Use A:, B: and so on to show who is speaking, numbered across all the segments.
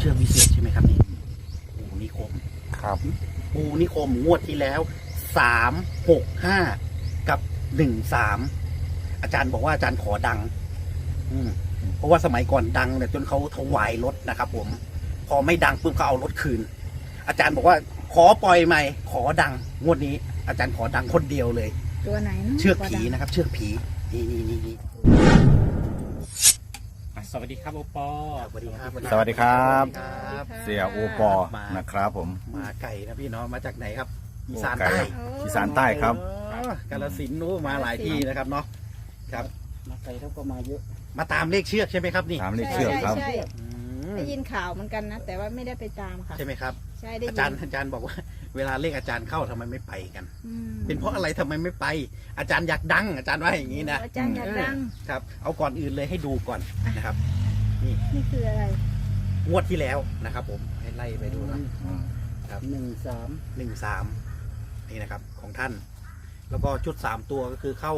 A: ชือกวิเศษใช่ไหมครับนี่ปูนิคม
B: ครับ
A: ปูนิคมงวดที่แล้ว365กับ13อาจารย์บอกว่าอาจารย์ขอดังเพราะว่าสมัยก่อนดังเนี่ยจนเขาถวายรถนะครับผมพอไม่ดังปุ๊บเขาเอารถคืนอาจารย์บอกว่าขอปล่อยใหม่ขอดังงวดนี้อาจารย์ขอดังคนเดียวเลย
C: ตัวไหนนะ
A: เชือกผีนะครับ เชือกผีนี่
D: สวัสดีครับโอปอ
A: สวัสดีครับ
B: สวัสดีครับ
A: ครับ
B: เสียโอปอนะครับผม
A: มาไก่นะพี่เนาะมาจากไหนครับอีสาน
B: ไก่
A: ใต้
B: อีสานใต้ครับ
A: อ๋อกาฬสินธุ์นู้นมาหลายที่นะครับเนาะครับ
D: มาไกลแล้วก็มาเยอะ
A: มาตามเลขเชือกใช่ไหมครับนี่
B: ตามเลขเชือกครับ
C: ใช่
A: อืม
C: ได้ยินข่าวเหมือนกันนะ แต่ว่าไม่ได้ไปตามค่ะ
A: ใช่ไหมครับ
C: ใช่ได้ยิ
A: อาจารย์บอกว่า เวลาเลขอาจารย์เข้าทำไมไม่ไปกัน
C: อืม
A: เป็นเพราะอะไรทำไมไม่ไป อาจารย์อยากดัง อาจารย์ว่าอย่างนี้นะ
C: อาจารย์อยากดัง
A: ครับ เอาก่อนอื่นเลยให้ดูก่อนนะครับ
C: นี่คืออะไร
A: งวดที่แล้วนะครับ ผมให้ไล่ไปดูนะ ครับ
D: 13
A: 13นี่นะครับ ของท่าน แล้วก็ชุด3ตัวก็คือเข้า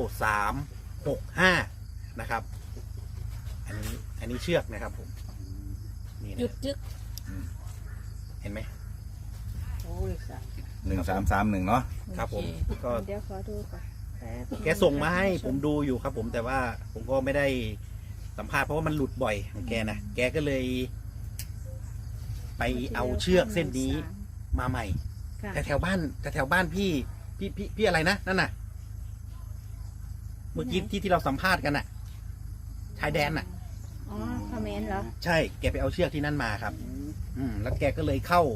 A: 365นะครับ อันนี้เชือกนะครับ ผมนี่
C: หยุ
A: นะ
C: ดจึก
A: เห็นไหม
D: โอ้ยสาม
B: 1331เนาะ
A: ครับผมก็
C: เดี๋ยวขอดูก่อนป๊บ
A: แกส่งมาให้ผมดูอยู่ครับ ผมแต่ว่าผมก็ไม่ได้สัมภาษณ์เพราะว่ามันหลุดบ่อยของแกนะแกก็เลย ไปเอาเชือกเส้นนี้มาใหม่
C: ค่ะ
A: แต่แถวบ้านพี่อะไรนะนั่นน่ะ เมื่อกี้ที่เราสัมภาษณ์กันน่ะชายแดนน่ะ
C: อ๋อคอมเมนต์เหรอ
A: ใช่แกไปเอาเชือกที่นั่นมาครับ แล้วแกก็เลยเข้า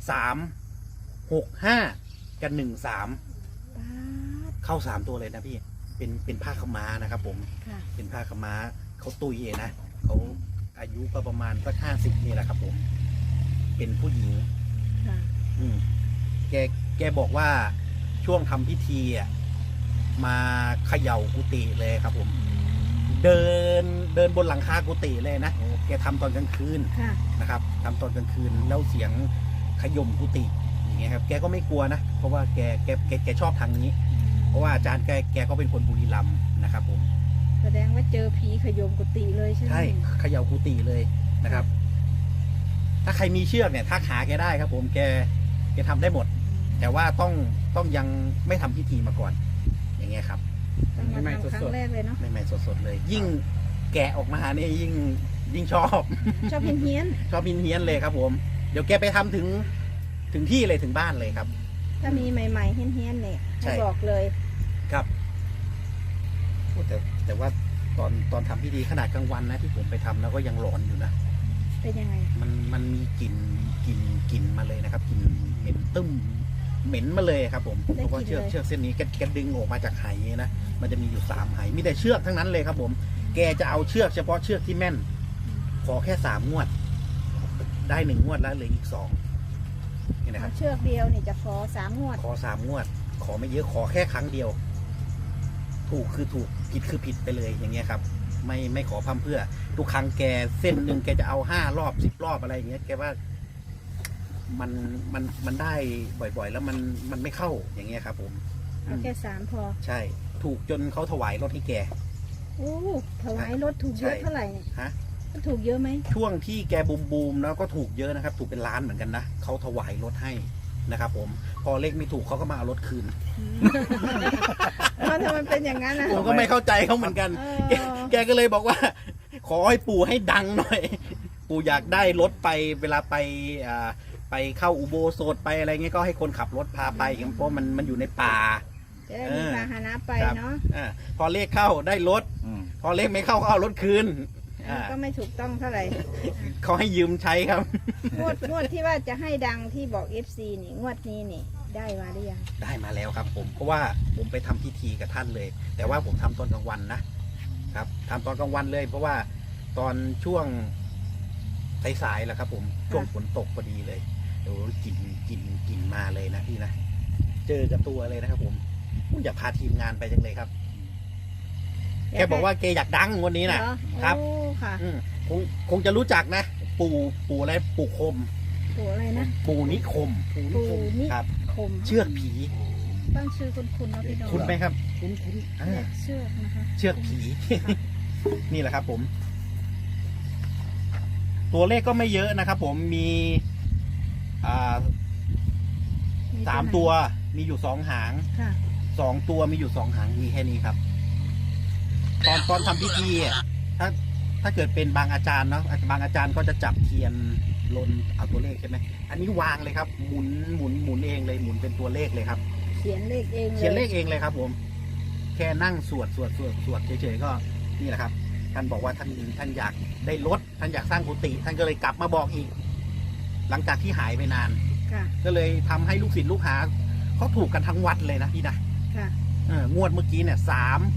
A: 365กับ13
C: ป๊าด
A: เข้า3ตัวเลยนะพี่เป็นผ้าขาวม้านะครับ ผม
C: ค่ะ
A: เป็นผ้าขาวม้าเขาตุยเองนะเขาอายุก็ประมาณสัก50นี่แหละครับ ผม เป็นผู้หญิง
C: ค่ะ
A: แกบอกว่าช่วงทำพิธีอ่ะมาเขย่ากุฏิเลยครับ ผม เดินบนหลังคากุฏิเลยนะแกทำตอนกลางคืน
C: ค่ะ
A: นะครับทำตอนกลางคืนแล้วเสียงขย่มกุฏิอย่างเงี้ยครับแกก็ไม่กลัวนะเพราะว่าแกชอบทางนี้ เพราะว่าอาจารย์แกก็เป็นคนบุรีรัมย์นะครับ ผม
C: แสดงว่าเจอผีขยมกุฏิเลยใช่ไหม
A: ใช่เขย่ากุฏิเลยนะครับ ถ้าใครมีเชือกเนี่ยทักหาแกได้ครับ ผมแกทำได้หมด แต่ว่าต้องยังไม่ทำพิธีมาก่อน อย่างเงี้ยครับ
C: ต้องมาทำครั้งแรกเลยเนาะ
A: ใหม่ๆสดๆเลย ยิ่งแกะออกมาเนี่ยยิ่งชอบ
C: ชอบเฮี้ยน
A: ชอบเฮี้ยนๆเลยครับ ผมเดี๋ยวแกไปทำถึงที่เลยถึงบ้านเลยครับ
C: ๆถ้ามีใหม่ๆเฮี้ยนๆเนี่ย
A: ใช่
C: ให้บอกเลย
A: ครับโอ้แต่ว่าตอนทำพิธีขนาดกลางวันนะที่ผมไปทำแล้วก็ยังหลอนอยู่นะ
C: เป็นยังไง
A: มันมีกลิ่นมาเลยนะครับกลิ่นเหม็นตึ้มเหม็นมาเลยครับ ผมเพราะว่าเชือกเส้นนี้แกดึงออกมาจากไหนะมันจะมีอยู่3ไหมีแต่เชือกทั้งนั้นเลยครับ ผมแกจะเอาเชือกเฉพาะเชือกที่แม่น ขอแค่3 งวด ได้1 งวดแล้วเหลืออีก2นี่นะครับ
C: เชือกเดียวเนี่ยจะขอ3 งวด
A: ขอ3 งวด ขอไม่เยอะขอแค่ครั้งเดียว ถูกคือถูกผิดคือผิดไปเลยอย่างเงี้ยครับ ไม่ขอพร่ำเพื่อทุกครั้งแกเส้นหนึ่งแกจะเอา5 รอบ10 รอบอะไรอย่างเงี้ยแกว่ามันได้บ่อยๆ แล้วมันไม่เข้าอย่างเงี้ยครับ ผม
C: เอาแค่3 พอ
A: ใช่ ถูกจนเขาถวายรถให้แก
C: โอ้ถวายรถถูกเยอะ
A: ใช่
C: เท่าไหร่เนี่ย
A: ฮะ
C: มันถูกเยอะไหม
A: ช่วงที่แกบูมแล้วก็ถูกเยอะนะครับ ถูกเป็นล้านเหมือนกันนะเขาถวายรถให้นะครับ ผมพอเลขไม่ถูกเขาก็มาเอารถคืน
C: มันทำไมเป็นอย่างนั้นนะ
A: ผมก็ไม่เข้าใจเขาเหมือนกัน
C: เออ
A: แกก็เลยบอกว่า ขอให้ปู่ให้ดังหน่อย ปู่อยากได้รถไปเวลาไปเข้าอุโบสถไปอะไรเงี้ยก็ให้คนขับรถพาไปอย่างเพราะมันอยู่ในป่า
C: จะได้มีพาหนะไป
A: ครับ
C: เนาะ
A: พอเลขเข้าได้รถ พอเลขไม่เข้าก็เอารถคืน
C: ก็ไม่ถูกต้องเท่าไหร่
A: เขาให้ยืมใช้ครับ
C: งวดที่ว่าจะให้ดังที่บอก FC นี่งวดนี้นี่ได้มาหรือยัง
A: ได้มาแล้วครับ ผมเพราะว่าผมไปทำพิธีกับท่านเลย แต่ว่าผมทำตอนกลางวันนะครับทำตอนกลางวันเลย เพราะว่าตอนช่วงสายๆแหละครับ ผมช่วงฝนตกพอดีเลยโอ้กลิ่นมาเลยนะพี่นะเจอกับตัวเลยนะครับ ผมอยากพาทีมงานไปจังเลยครับแกบอกว่าแกอยากดังวันนี้นะ
C: เหอ
A: ครับ
C: โอ้ค่ะ
A: คงจะรู้จักนะ ปู่อะไรปู่คม
C: ปู่อะไรนะ
A: ปู่นิคม
C: ปู่นิ
A: ครับ
C: คม
A: เชือกผี
C: ตั้งชื่อคุณเนาะพี่น้อง
A: คุ้นไหมครับ
D: คุ้น
C: เนี่ยเชือกนะคะ
A: เชือกผี นี่แหละครับ ผมตัวเลขก็ไม่เยอะนะครับผมมีสามตัวมีอยู่2 หาง
C: ค่ะ
A: 2 ตัวมีอยู่2 หางมีแค่นี้ครับ ตอนทำพิธีอ่ะถ้าเกิดเป็นบางอาจารย์เนาะบางอาจารย์ก็จะจับเทียนลนเอาตัวเลขใช่ไหมอันนี้วางเลยครับหมุนเองเลยหมุนเป็นตัวเลขเลยครับ
C: เขียนเลขเองเลย
A: เขียนเลขเองเลยครับ ผม แค่นั่งสวดเฉยๆก็นี่แหละครับท่านบอกว่าท่านอยากได้รถท่านอยากสร้างกุฏิท่านก็เลยกลับมาบอกอีก หลังจากที่หายไปนาน
C: ค่ะ
A: ก็เลยทำให้ลูกศิษย์ลูกหาเขาถูกกันทั้งวัดเลยนะพี่นะ
C: ค่ะ
A: งวดเมื่อกี้เนี่ย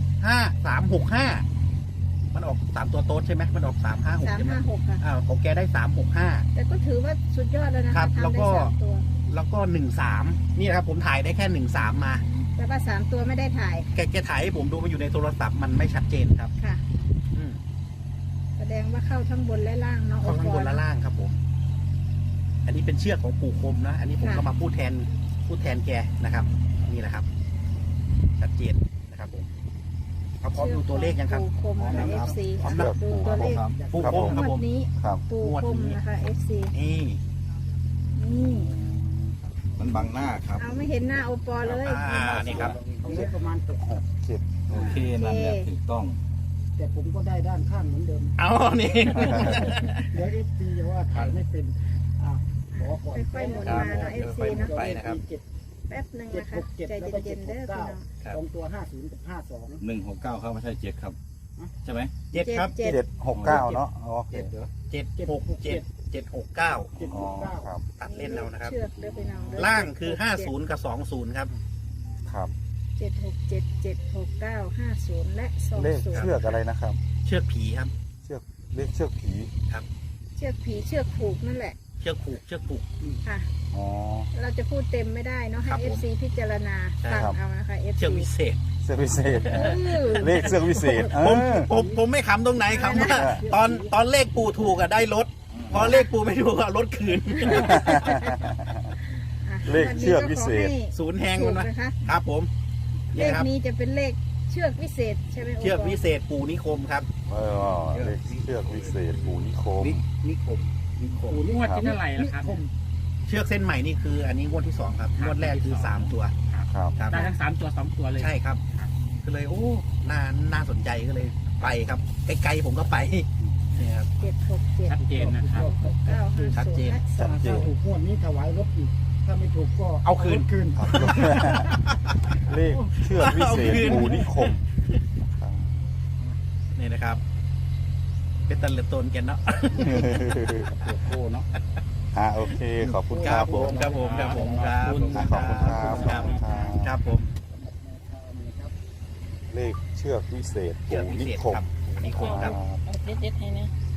A: 3-5-3-6-5มันออก3 ตัวโต๊ดใช่ไหมมันออก3-5-6ใช่ไหม
C: 356 ค่ะ
A: ของแกได้3-6-5
C: แต่ก็ถือว่าสุดยอดแล้วนะคะ
A: ครับ
C: ทำ
A: แล้ว
C: ได้
A: ก็
C: 3 ตัว
A: แล้วก็1-3นี่นะครับผมถ่ายได้แค่1-3มา
C: แต่ว่า3 ตัวไม่ได้ถ่าย
A: แกถ่ายให้ผมดูมันอยู่ในโทรศัพท์มันไม่ชัดเจนครับ
C: ค่ะ
A: อืม
C: แสดงว่าเข้าทั้งบนและล่างเนาะ
A: เข้าข้างบนและ
C: โอปอ
A: ล่างครับผม อันนี้เป็นเชือกของปู่คมนะอันนี้ผมก็มาพูดแทนแกนะครับ นี่แหละครับ ชัดเจนนะครับผมเอาพร้อมดูตัวเลขยังครับ
C: ปูคมนะคะ FC
A: พร้อมนะ
C: ดูตัวเลข
A: ปู่คมครับ
C: ง
A: ผ
C: ว
A: ม
C: ดนี้
B: ครับ
C: ปู
A: งวด
C: คม
A: นี้
C: นะคะ FC
A: นี่
C: นี่
B: มันบังหน้าครับ
C: เอาไม่เห็นหน้าโอปอเลย
A: นี่ครับ
D: เอาเลขประมาณ7
B: โอเคนั่นแหละถูกต้อง
D: แต่ผมก็ได้ด้านข้างเหมือนเดิม
A: เอานี่
D: เดี๋ยวFPจะว่าถ่ายไม่เป็นขอก่อน
C: ค่อยๆหมุนมาเนาะ FC เนาะ
A: ไปนะครับ
C: แป๊บหนึ่งนะคะ
D: 767
C: ใจ
D: แล้วก็
C: เย็นๆเด้อพี่น้อง
A: ครับ
D: 769 2 ตัว50 กับ 52
B: 169ครับไม่ใช่7ครับใช่ไหม
A: 7ครับ
C: 7
B: 769เนาะโอเค
A: 767-769
B: อ๋อครับ
A: ตัดเล่นแล้วนะครับ
C: เชือกเด้อพี่น้องเด้อ
A: ล่างคือ50กับ20ครับ
B: ครับ
C: 767-769-50 และ
B: เลข
C: 20
B: เชือกอะไรนะครับ
A: เชือกผีครับ
B: เลขเชือกผี
C: เชือกผีเชือกผูกนั่นแหละ
A: เชือกผูก
C: ค่ะ
B: อ๋อ
C: เราจะพูดเต็มไม่ได้เนาะให้
A: ครับผม
C: FC พิจารณา
A: ใช่
C: ฟัง
B: ครับ
C: เอานะคะ FC
A: เชือกวิเศษ
B: เชือกพิเศษ
C: เออ
B: เลขเชือกพิเศษ
A: ผมไม่ขำตรงไหนคำว่าตอนเลขปู่ถูกอะได้รถพอเลขปู่ไม่ถูกอะรถคืน
C: อ่ะ
B: เลขเชือกวิเศษ
C: วันนี้ก็ขอให้
A: ศูนย์แหง
C: ถู
A: มัน
C: ก
A: นะ
C: นะคะ
A: ครับผม
C: เล
A: นี่
C: ข
A: ครับ
C: นี้จะเป็นเลขเชือกวิเศษใช่ไหมโป
A: เชือกวิเศษปู่นิคมครับ
B: เลขเชือกวิเศษปูนิโคม
A: นิคม
D: งวดที่เท่าไหร่ล่ะครับ
A: เชือกเส้นใหม่นี่คือ อันนี้งวดที่2ครับงวดแรกคือ3 ตัว
B: ครับ
A: ครับ
D: ได้ทั้ง3 ตัว 2 ตัวเลย
A: ใช่ครับ ก็เลยโอ้น่าสนใจก็เลยไปครับไกลๆผมก็ไปเนี่ยครับ
C: 767
D: ชัดเจนนะครับ
C: 950
A: ชัดเจน
C: และ
B: ชัดเจน
D: ถ้าถูกงวดนี้ถวายรถอีก ถ้าไม่ถูกก็
A: เอาคืน
D: รถคืน
B: เลขเชือกวิเศษปูนิคม
A: นี่นะครับ เป็นตะเลือดตนกันเนาะ
D: โอ้เนาะ
B: โอเค ขอบคุณ
A: ค
B: ค
A: รั
B: รั
A: บบ ผมครับผมครับผมครับ
B: ขอบคุณครับ
A: ครับผม
B: เลขเชือกวิเศษ
A: เชือก
B: ปู
A: พิ
B: นิ
A: เศษ
B: คม
A: ครับนิคมครับ
C: เอาเด็ดๆให้นะ